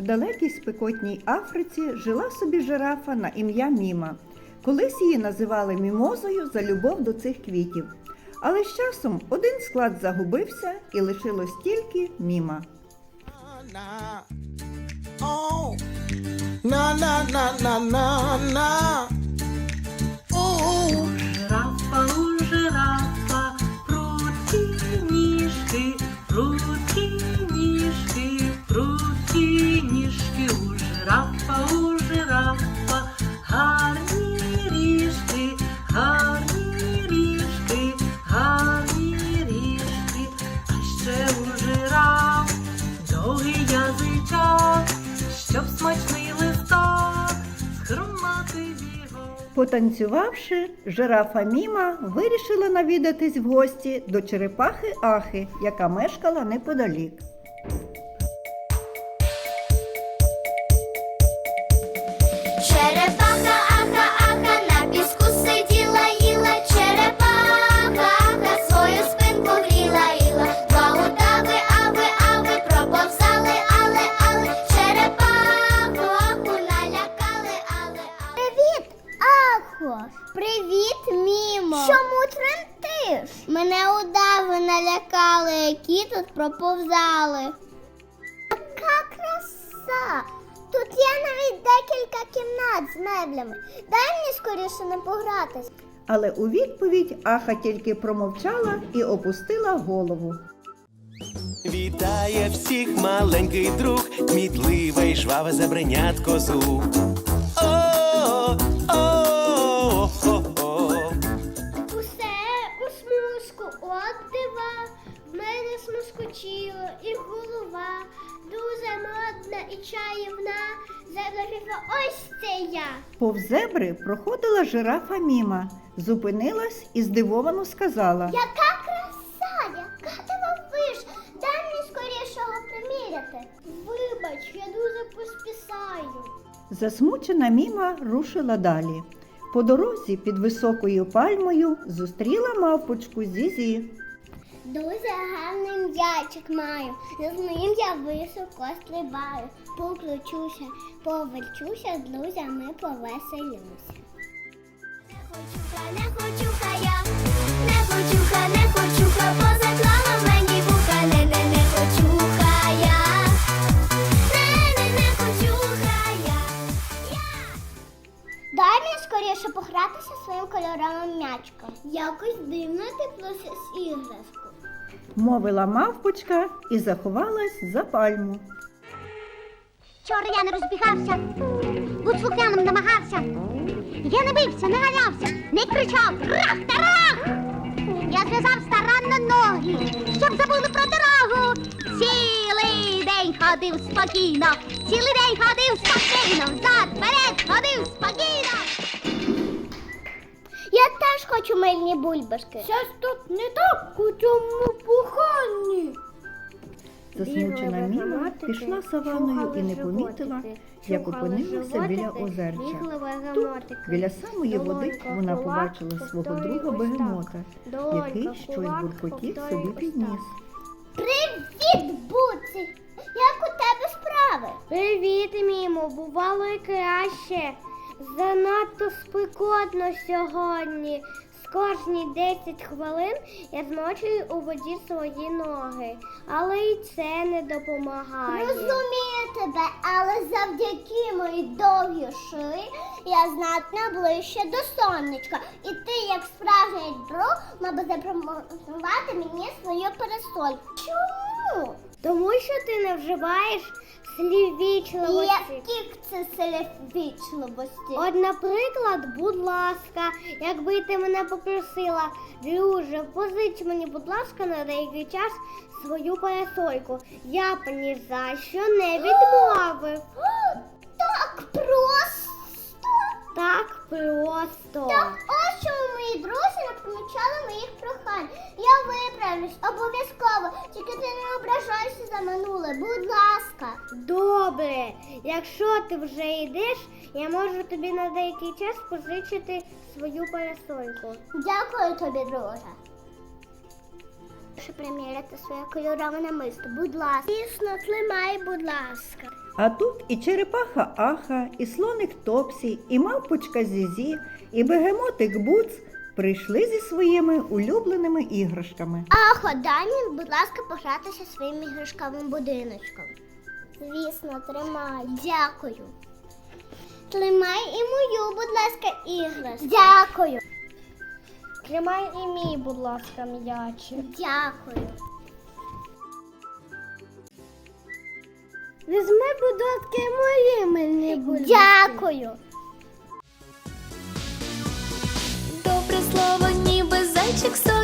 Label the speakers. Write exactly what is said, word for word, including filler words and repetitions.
Speaker 1: далекій спекотній Африці жила собі жирафа на ім'я Міма. Колись її називали мімозою за любов до цих квітів. Але з часом один склад загубився і лишилось тільки Міма.
Speaker 2: Жирафа у жирафа, прудкі ніжки, прудкі ніжки, прудкі ніжки, у жирафа, у жирафа, гарні ріжки, гарні ріжки, гарні ріжки, а ще у жираф довгий язичок, щоб смачний листок схрумати його.
Speaker 1: Потанцювавши, жирафа Міма вирішила навідатись в гості до черепахи Ахи, яка мешкала неподалік.
Speaker 3: Черепаха Аха, Аха, на піску сиділа, їла, черепаха Аха, свою спинку гріла, їла. Два удави, ави, ави, проповзали, але, але, черепаху Аху налякали, але, але. Привіт, Ахо! Привіт, Мімо! Чому тремтиш? Мене удави налякали, які тут проповзали. Яка краса! Тут є навіть декілька кімнат з меблями. Дай мені скоріше не погратись.
Speaker 1: Але у відповідь Аха тільки промовчала і опустила голову.
Speaker 4: Вітає всіх маленький друг, кмітливе й жваве забринятко зуб. О, о, о, о, о.
Speaker 3: Усе у смужку от дива, в мене смускочило і голова, дуже модна і чаївна, заглохіла ось це я.
Speaker 1: Повз зебри проходила жирафа Міма, зупинилась і здивовано сказала:
Speaker 3: Яка краса, яка дивовиж, дай мені скоріше його приміряти. Вибач, я дуже поспішаю.
Speaker 1: Засмучена Міма рушила далі. По дорозі під високою пальмою зустріла мавпочку Зізі.
Speaker 3: Дуже гарний м'ячик маю, з ним я високо стрибаю. Покручуся, поверчуся, з друзями повеселюся. Не хочуха, не хочуха я, не хочуха, не хочуха, позаклала мені вуха, не, не, не хочуха я, не, не, не хочуха я. Дай мені скоріше погратися своїм кольоровим м'ячком. Якось дивно ти просиш іграшку.
Speaker 1: Мовила мавпочка і заховалась за пальму.
Speaker 5: Вчора я не розбігався, будь слухняним намагався. Я не бився, не ганявся, не кричав «Рах-тарах!». Я зв'язав старанно ноги, щоб забули про дорогу. Цілий день ходив спокійно, цілий день ходив спокійно, взад, вперед ходив спокійно.
Speaker 3: Я теж хочу мильні бульбашки. Щось тут не так у цьому буханні.
Speaker 1: Засмучена Міма пішла саваною і не помітила, як опинилася біля озерця. Тут, біля самої води, вона побачила свого друга бегемота, який щось буркотів собі підніс.
Speaker 3: Привіт, Буці! Як у тебе справи? Привіт, Мімо, бувало і краще. Занадто спекотно сьогодні. З кожні десять хвилин я змочую у воді свої ноги, але і це не допомагає. Розумію тебе, але завдяки моїй довгій шиї я знатно ближче до сонечка. І ти, як справжній друг, мав би запропонувати мені свою парасольку. Чому? Тому що ти не вживаєш слів вічливості. Які це слів вічливості? От, наприклад, будь ласка, якби ти мене попросила, друже, позич мені, будь ласка, на деякий час свою парасольку. Я б ні за що не відмовив. Так просто? Так просто. Так ось чому мої друзі не помічали моїх прохань. Я виправлюсь обов'язково, тільки ти не ображайся за минуле, будь ласка. Добре, якщо ти вже йдеш, я можу тобі на деякий час позичити свою парасольку. Дякую тобі, друже. Прошу приміряти своє кольорове намисто, будь ласка. Дійсно, тримай, будь ласка.
Speaker 1: А тут і черепаха Аха, і слоник Топсі, і мавпочка Зізі, і бегемотик Буц прийшли зі своїми улюбленими іграшками.
Speaker 3: Ахо, дай мені, будь ласка, погратися своїм іграшковим будиночком. Звісно, тримай. Дякую. Тримай і мою, будь ласка, іграшку. Дякую. Тримай і мій, будь ласка, м'ячик. Дякую. Візьми, будь ласка, і мої мені, будь ласка. Дякую.
Speaker 6: Добре слово, ніби зайчик